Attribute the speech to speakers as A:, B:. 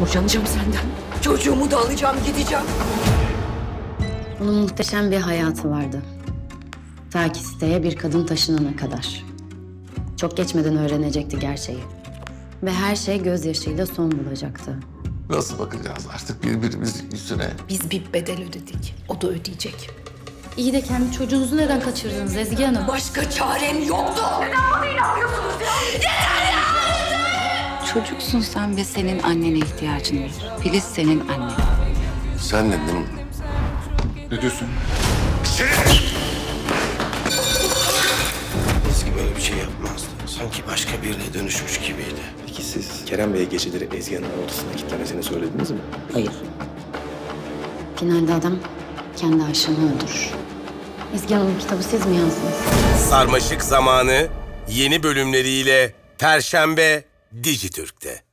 A: Boşanacağım senden. Çocuğumu da alacağım, gideceğim.
B: Onun muhteşem bir hayatı vardı. Ta ki siteye bir kadın taşınana kadar. Çok geçmeden öğrenecekti gerçeği. Ve her şey gözyaşıyla son bulacaktı.
C: Nasıl bakacağız artık birbirimizin yüzüne?
A: Biz bir bedel ödedik. O da ödeyecek.
B: İyi de kendi çocuğunuzu neden kaçırdınız Ezgi Hanım?
A: Başka çarem yoktu.
D: Çocuksun sen ve senin annene ihtiyacın var. Filiz senin annen.
C: Sen ne değil mi? Ne diyorsun?
E: Ezgi böyle bir şey yapmazdı. Sanki başka birine dönüşmüş gibiydi.
F: Peki siz Kerem Bey'e geceleri Ezgi Hanım'ın odasına kilitlemesini söylediniz mi?
B: Hayır. Finalde adam kendi aşığını öldürür. Ezgi Hanım'ın kitabı siz mi yazdınız?
G: Sarmaşık Zamanı yeni bölümleriyle Perşembe Dijitürk'te.